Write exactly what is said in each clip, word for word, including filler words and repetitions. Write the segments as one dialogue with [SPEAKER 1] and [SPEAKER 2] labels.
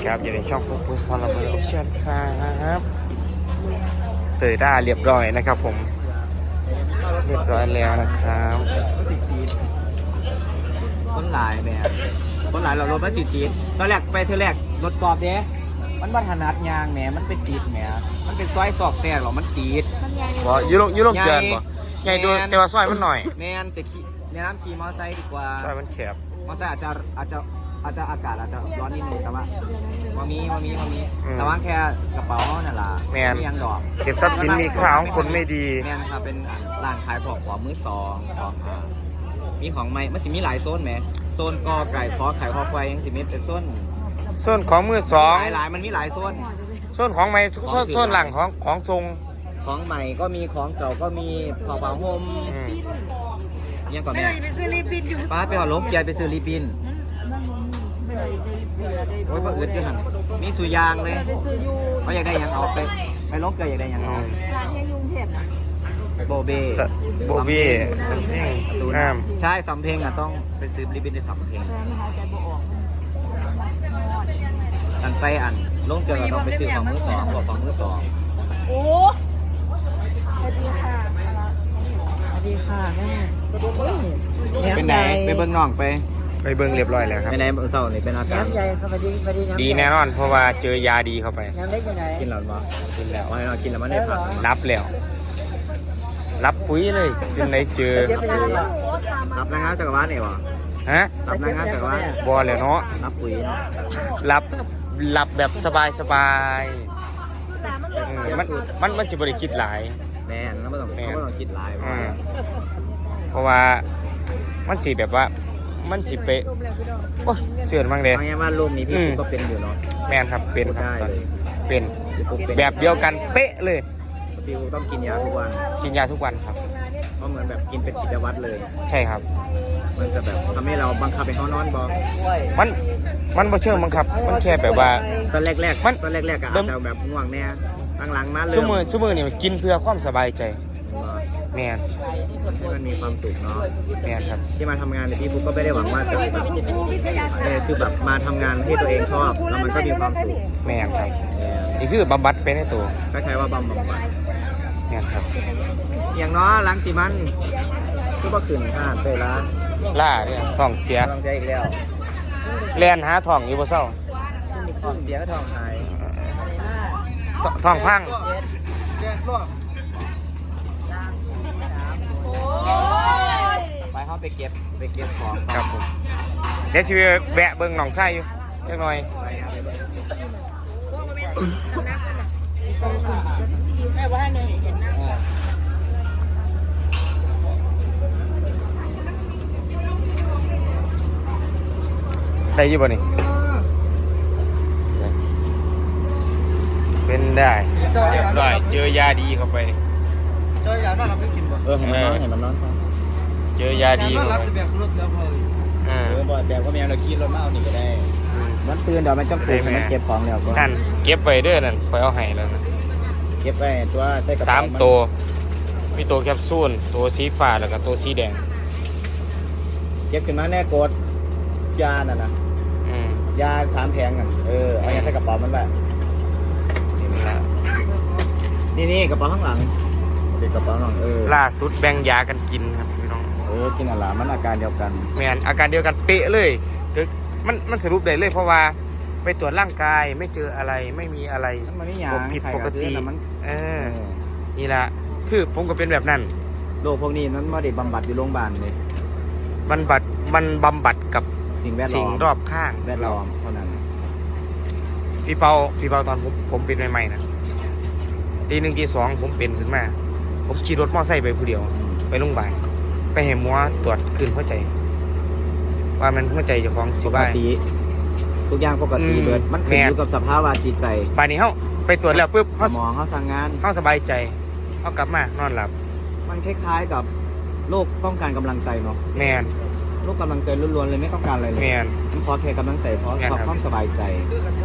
[SPEAKER 1] ครับอยู่ในช่องโฟกัสทอร์เมอร์ออปชั่นครับเตยด้าเรียบร้อยนะครับผมเรียบร้อยแล้วนะครับ
[SPEAKER 2] ต้นหลายแบบต้นหลายเรารถมาจีจีตอนแรกไปเธอแรกรถกรอบเด้มันวัฒนัดยางแหมมันเป็นตีดแหมมันเป็นซอยสอกแตกหรอมันตีด
[SPEAKER 1] บ่ยุโรยุโรเกินบ่ใหญ่ดูแต่ว่าซอยมันหน่อย
[SPEAKER 2] แมนแต่ขี่แนะนำขี่มอเตอร์ไซค์ดีกว่า
[SPEAKER 1] ซอยมันแคบ
[SPEAKER 2] มอเตอร์ไซค์อาจจะอาจจะอาจจะอากาศอาจจะร้อนนิดนึงแต่ว่าว่ามีว่ามีว่ามีแต่ว่าแค่กระเป๋านั่นแหละ
[SPEAKER 1] แมน
[SPEAKER 2] ยังดอก
[SPEAKER 1] เก็บทรัพย์สินมีค่าของคนไม่ดี
[SPEAKER 2] แมนครับเป็นร้านขายของของมือสองของอ่ามีของใหม่มันสิมีหลายโซนไหมโซนกอไก่คอไข่คอควายยังสิมีเป็นโซน
[SPEAKER 1] โซนของมือสอง
[SPEAKER 2] หลายหลายมันมีหลายโซน
[SPEAKER 1] โซนของใหม่โซนโซนหลังของของทรง
[SPEAKER 2] ของใหม่ก็มีของเก่าก็มีเป่าเป่าโฮมยังก่อนแม่
[SPEAKER 3] ไปซื้อรีปินอยู่
[SPEAKER 2] ป้าไปหอลงเกียร์ไปซื้อรีปินโอ้ยพออึดจังหันมีสุยางเลยเขาอยากได้ยังเอาไปไปลงเกียร์อยากได้ยังเอา
[SPEAKER 3] ร้านยังยุงเห็ด
[SPEAKER 2] โบเบ้
[SPEAKER 1] โบเบ้สำเพ็งน้
[SPEAKER 2] ำใช่สำเพ็งอ่ะต้องไปซื้อรีปินในสำเพ็งอันไปอันลงเกียร์เราต้องไปซื้อของมือสองของมือสอง
[SPEAKER 3] โอ้สวัสดีค่ะสวัสดีค่ะแม่
[SPEAKER 2] เป็นไหนไปเบิ้งน้องไป
[SPEAKER 1] ไปเบิ้งเรียบร้อยแล้วครับ
[SPEAKER 2] ไปไหนเศร้านี่เป็นอาการ
[SPEAKER 1] ดีแน่นอนเพราะว่าเจอยาดีเข้าไป
[SPEAKER 2] กินหรอบ่กินแล้วว่าเรากินแล้วมันได้ผัก
[SPEAKER 1] รับแล้วรับปุ๋ยเลยจึงได้เจอ
[SPEAKER 2] รับนางงามจักรวาลเนี่ยวะ
[SPEAKER 1] ฮะ
[SPEAKER 2] รับนางงามจักรวาล
[SPEAKER 1] บอเลยเนาะ
[SPEAKER 2] รับปุ๋ย
[SPEAKER 1] รับรับแบบสบายสบายมันมันมันจะบริคิดหลาย
[SPEAKER 2] แม่แล้วไม่ต้องไม่ต้องคิดหลาย
[SPEAKER 1] เพราะว่ามันสีแบบว่ามันสีเป๊ะโอ้เสื่อมมากเลย
[SPEAKER 2] เอาง่ายว่ารูปนี้พี่ก็เป็นอยู่เนาะ
[SPEAKER 1] แม่นครับเป็นครับตอนเป็นแบบเดียวกันเป๊ะเลย
[SPEAKER 2] พี่ต้องกินยาทุกวัน
[SPEAKER 1] กินยาทุกวันครับ
[SPEAKER 2] เพราะเหมือนแบบกินเป็นกิจวัตรเลย
[SPEAKER 1] ใช่ครับ
[SPEAKER 2] มันจะแบบทำให้เราบังคับให้เขานอนบ่
[SPEAKER 1] มันมันบ่เชิงบังคับมันแค่แบบว่า
[SPEAKER 2] ตอนแรกๆมันตอนแรกๆก็อาจจะแบบง่วงแน่หลังๆมาเลย
[SPEAKER 1] ชั่วโมงชั่วโมงนี่มันกินเพื่อความสบายใจแม่น
[SPEAKER 2] ให้มันมีความสุขเนาะ
[SPEAKER 1] แม่นครับ
[SPEAKER 2] ที่มาทำงานในพี่บุ๊กก็ไม่ได้หวังว่าจะแบบเออคือแบบมาทำงานให้ตัวเองชอบแล้วมันก็มีความสุข
[SPEAKER 1] แม่นครับนี่คือบำบัดเป็นในตัว
[SPEAKER 2] คล้ายๆว่าบำบัด
[SPEAKER 1] แม่นครับ
[SPEAKER 2] อย่างน้อยล้างสีมันก็บ่ขึ้นห้าเตยล้า
[SPEAKER 1] ล่าเนี่ยท้องเสีย
[SPEAKER 2] ท้องเสียอีกแล้ว
[SPEAKER 1] แล่นหาท้องอยู่บ่เศร้า
[SPEAKER 2] ท้องเสียก็ท้องหาย
[SPEAKER 1] ท้องพัง
[SPEAKER 2] ไปเขาไปเก็บไปเก็บของ
[SPEAKER 1] ครับผมเดี๋ยวสิแวะเบิ่งหนองไส้อยู่จักหน่อยได้ยี่บ่นี่เป็นได้ได้เจอยาดีเข้าไป
[SPEAKER 2] เจอยานอนเราไม่กินบ่เออเห็นมันนอนเห็นมันนอน
[SPEAKER 1] เจอยาดี
[SPEAKER 2] เข้าไปแบบรถแล้วพอเออบ่แบบก็แม่เราขี่รถมาเอานี่ก็ได้มันตื่นเดี๋ยวมันจะตื่นมันเก็บของแล้วก็
[SPEAKER 1] นั่นเก็บไว้เด้อนั่นคอยเอาให้แล้วนะ
[SPEAKER 2] เก็บไว้ตัวใส่กระเป๋า
[SPEAKER 1] สามตัวมีตัวแคปซูลตัวสีฟ้าแล้วก็ตัวสีแดง
[SPEAKER 2] เก็บขึ้นมาแน่กดยาน่ะนะยาสามแผงกันเออเอาใส่กระเป๋ามันแบบนี่นี่กระเป๋าข้างหลังเป็นกระเป๋าหนังเออ
[SPEAKER 1] ล่าสุดแบ่งยากันกินครับพี่น้อง
[SPEAKER 2] เออกินอะไรมันอาการเดียวกัน
[SPEAKER 1] แม่นอาการเดียวกันเป๊ะเลยคือมันมันสรุปได้เลยเพราะว่าไปตรวจร่างกายไม่เจออะไรไม่มีอะไรผิดปกติเออนี่แหละคือผมก็เป็นแบบนั้น
[SPEAKER 2] โรคพวกนี้นั้นไม่ได้บำบัดอยู่โรงพยาบาลเลย
[SPEAKER 1] บำบัดมันบำบัดกับ
[SPEAKER 2] สิ่งแวดล้อม
[SPEAKER 1] สิ่งรอบข้าง
[SPEAKER 2] แวดล้อมเท่านั้น
[SPEAKER 1] พี่เปาพี่เปาตอนผมผมเป็นใหม่ๆนะตีหนึ่งตีสองผมเป็นขึ้นมาผมขี่รถมอเตอร์ไซค์ไปผู้เดียวไปโรงพยาบาลไปเห็นหมอตรวจคืนหัวใจว่ามันหัวใจเจ้าของสิบ้า
[SPEAKER 2] ทุกอย่างปกติเบิดมันขึ้นอยู่กับสภาพจิตใจ
[SPEAKER 1] ป่านนี้เขาไปตรวจแล้วปุ๊บ
[SPEAKER 2] สมองเขาสั่งงาน
[SPEAKER 1] เขาสบายใจเขากลับมานอนหลับ
[SPEAKER 2] มันคล้ายๆกับโรคต้องการกำลังใจเนาะ
[SPEAKER 1] แมน
[SPEAKER 2] โรคกำลังใจล้วนๆเลยไม่ต้องการอะไรเลย
[SPEAKER 1] แมน
[SPEAKER 2] มันขอแค่กำลังใจเพราะความสบายใจ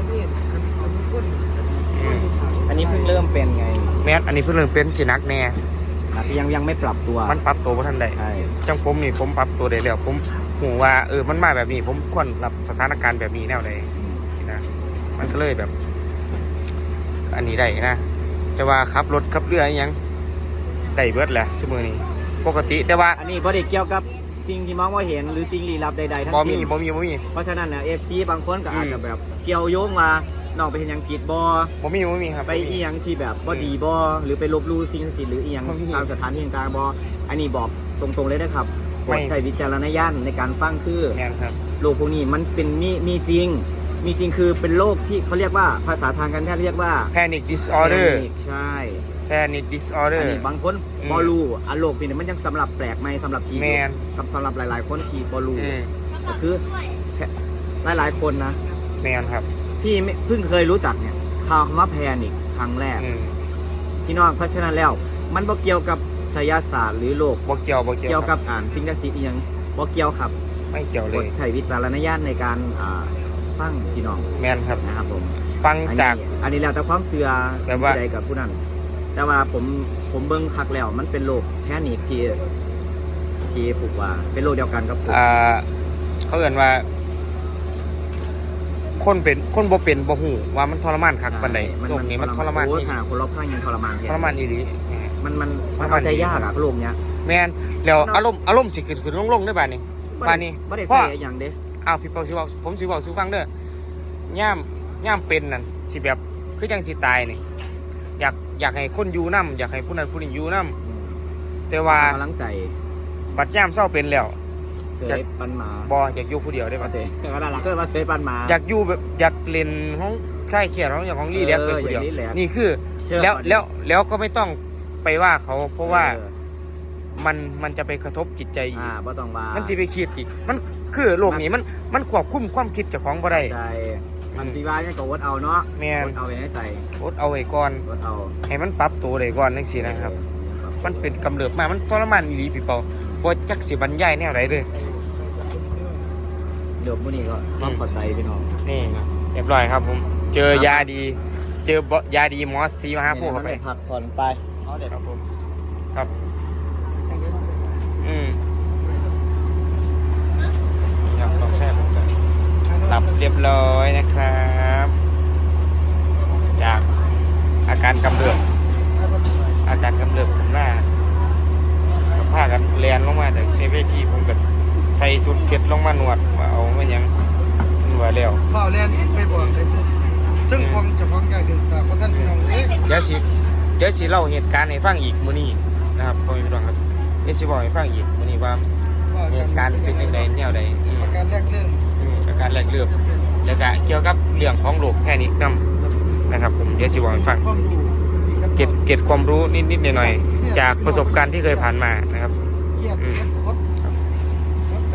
[SPEAKER 2] อันนี้เพิ่งเริ่มเป็นไง
[SPEAKER 1] แมนอันนี้เพิ่งเริ่มเป็นสินักแน่
[SPEAKER 2] ยังยังไม่ปรับตัว
[SPEAKER 1] มันปรับตัวเพราะท่านใดจังผมนี่ผมปรับตัวได้แล้วผมหูว่าเออมันมาแบบนี้ผมควรรับสถานการณ์แบบนี้แนวใดนะมันก็เลยแบบ อันนี้ได้นะจะว่าขับรถขับเรืออหยังได้เบิดแหละชั่วโมงนี้ปกติแต่ว่า
[SPEAKER 2] อันนี้บ่ได้เกี่ยวกับสิ่งที่มองว่าเห็นหรือสิ่งลี้ลับใดๆทั้ง
[SPEAKER 1] บ่
[SPEAKER 2] สิ้
[SPEAKER 1] มี
[SPEAKER 2] น
[SPEAKER 1] บ่มีบ่มี
[SPEAKER 2] เพราะฉะนั้นเนี่ย เอฟ ซี บางคนก็อาจ
[SPEAKER 1] อืม
[SPEAKER 2] จะแบบเกี่ยวโยงว่าน้องไปเห็นหยังผิดบ่
[SPEAKER 1] บ่มีบ่มีครับ
[SPEAKER 2] ไปอีหยังที่แบบบ่ดีบ่หรือไปลบหลู่สิ่งศักดิ์สิทธิ์หรืออีหยัง
[SPEAKER 1] บ่มี
[SPEAKER 2] ตามสถานที่ต่างๆบ่อันนี้บอกตรงๆเลยนะครับโปร
[SPEAKER 1] ไม่
[SPEAKER 2] ดใช้วิจารณญาณในการฟังคือ
[SPEAKER 1] แม่นครับ
[SPEAKER 2] โรคพวกนี้มันเป็นมีมีจริง มีจริงคือเป็นโรคที่เขาเรียกว่าภาษาทางการแพทย์เรียกว่า
[SPEAKER 1] panic disorder
[SPEAKER 2] panic ใช่
[SPEAKER 1] panic
[SPEAKER 2] อั
[SPEAKER 1] disorder
[SPEAKER 2] นนี้บางคน
[SPEAKER 1] อืม
[SPEAKER 2] บอลูอันโรคนี้มันยังสำหรับแปลกใหม่สำหรับที
[SPEAKER 1] แม่น
[SPEAKER 2] กับสำหรับหลายๆคนที่บอลู
[SPEAKER 1] อืม
[SPEAKER 2] ก็คือหลายๆคนนะ
[SPEAKER 1] แม่นครับ
[SPEAKER 2] พี่ไม่เพิ่งเคยรู้จักเนี่ยคำว่าแพนิคครั้งแรก
[SPEAKER 1] อืม
[SPEAKER 2] พี่น้องเพราะฉะนั้นแล้ว มันบ่เกี่ยวกับไสยศาสตร์หรือโรค
[SPEAKER 1] บ่เกี่ยวบ่เกี่ยว
[SPEAKER 2] เกี่ยว
[SPEAKER 1] ค
[SPEAKER 2] กั
[SPEAKER 1] รั
[SPEAKER 2] บบ อ่านสิ่งศักดิ์สิทธิ์อหยังบ่เกี่ยวครับ
[SPEAKER 1] ไม่เกี่ยว
[SPEAKER 2] ก
[SPEAKER 1] เล
[SPEAKER 2] ด
[SPEAKER 1] ย
[SPEAKER 2] ใช้วิจารณญาณในการอ่าฟังพี่น้อง
[SPEAKER 1] แม่นครับ
[SPEAKER 2] นะครับผม
[SPEAKER 1] ฟัง
[SPEAKER 2] อัน
[SPEAKER 1] จาก
[SPEAKER 2] นี้อันนี้แล้วแต่ความเชื่อ
[SPEAKER 1] แบบว่า
[SPEAKER 2] ผู้ใดกับผู้นั้น แต่ว่าผมผมเบิ่งคักแล้วมันเป็นโรคแพนิคที่ที่ฝึกว่าเป็นโรคเดียวกันกับผม
[SPEAKER 1] อ่าเขาเอ่นว่า คนเป็นคนบ่เป็นบ่ฮู้ว่ามันทรมานคักปานใดโรคนี้มันทรมาน
[SPEAKER 2] โอ้
[SPEAKER 1] อีหลี
[SPEAKER 2] ขนาดคนรอบข้างยังทรมานแท
[SPEAKER 1] ทรมานอีหลี
[SPEAKER 2] มันมัน
[SPEAKER 1] ทร
[SPEAKER 2] มัน
[SPEAKER 1] มาน
[SPEAKER 2] เข้าใจยากอะโรคเนี้ย
[SPEAKER 1] แม่นแล้วอารมณ์อารมณ์สิขึ้นขึ้นลงๆได้บาดนี้บาดนี้
[SPEAKER 2] บ่ได้
[SPEAKER 1] เพราะ
[SPEAKER 2] ใส่อย่างเด้
[SPEAKER 1] อ้าวพี่เปาสิเว้าผมสิเว้าสู่ฟังเด้อย่ามย่ามเป็นนั่นสิแบบคือจังสิตายนี่อยากอยากให้คนอยู่นํอยากให้ผู้นั้นผู้นี้อยู่นํแต่ว่า
[SPEAKER 2] กำลังใจ
[SPEAKER 1] บัดย่ามเศร้าเป็นแล้ว
[SPEAKER 2] เสยปันหมา
[SPEAKER 1] บ่อยากอยู่ผู้เดียวได้
[SPEAKER 2] ป
[SPEAKER 1] บัด
[SPEAKER 2] เตก็ได้ละเคยมาเสยปันหมา
[SPEAKER 1] อยากอยู่แบบอยากเล่นของคลายเครียดของอย่างของรีแลกซ์
[SPEAKER 2] เอ
[SPEAKER 1] ไป
[SPEAKER 2] อ
[SPEAKER 1] ผู้เดียว
[SPEAKER 2] อยากรีแลกซ์
[SPEAKER 1] นี่คือ
[SPEAKER 2] เชื่อ
[SPEAKER 1] แล้ว
[SPEAKER 2] ก่อน
[SPEAKER 1] แล้วแล้วก็ไม่ต้องไปว่าเขาเพราะว่า
[SPEAKER 2] ออ
[SPEAKER 1] มันมันจะไปกระทบจิตใจอีก
[SPEAKER 2] อ่าบ่ต้องว่า
[SPEAKER 1] มันสิไปคิดอีกมันคือโลกนี้มันมันควบคุมความคิดเจ้าของบ่ได้
[SPEAKER 2] ใจมันสิว่าเนี่ยก็วดเอาเนาะ
[SPEAKER 1] แม่น
[SPEAKER 2] วดเอาไว้ในใจ
[SPEAKER 1] อดเอาไว้ก่อน
[SPEAKER 2] วดเอา
[SPEAKER 1] ให้มันปรับตัวได้ก่อนจังซี่นะครับ มันเป็นกำเริบมามันทรมานอีหลีพี่เปาบ่จักสิบรรยายแนวใดเลย
[SPEAKER 2] เดี๋ยวมื้อนี้ก็ต้องขอใจพี่น้อง
[SPEAKER 1] นี่เรียบร้อยครับผม เจอยาดี เจอบ่ยาดีหมอซีมาหาพวกเข้าไป
[SPEAKER 2] พักผ่อนไปเอาเด็ด
[SPEAKER 1] ครับผม ครับ อืมอยากลองแช่ผมกันหลับเรียบร้อยนะครับ จากอาการกำเริบอาการกำเริบผมหน้ากับผ้ากันแลนลงมาจากเวทีผมก็ใส่สุดเก็ดลงมาหนวดว่าเอาไม่ยังถึงว่าแล้ว
[SPEAKER 4] เฝ้าเล่นไปบอกได้สุดซึ่งคงจะพ้องใจเดินทางเพราะท่านพี่น้องเอ๊ะ
[SPEAKER 1] เดี๋ยวสิเดี๋ยวสิเล่าเหตุการณ์ให้ฟังอีกมื้อนี้นะครับพ่อแม่พี่น้องครับเดี๋ยวสิบอกให้ฟังอีกมื้อนี้ว่าเหตุการณ์เป็นจังไดแนวใดอืม
[SPEAKER 4] อาการแรกเริ่ม
[SPEAKER 1] อืมอาการแรกเริ่มแล้วก็เกี่ยวกับเรื่องของโรคแพนิคนํนะครับผมเดี๋ยวสิบอกให้ฟัง
[SPEAKER 4] ความรู้
[SPEAKER 1] เก็บเก็บความรู้นิดๆหน่อยๆจากประสบการณ์ที่เคยผ่านมานะครับ
[SPEAKER 4] เครียด
[SPEAKER 1] อืม
[SPEAKER 4] คด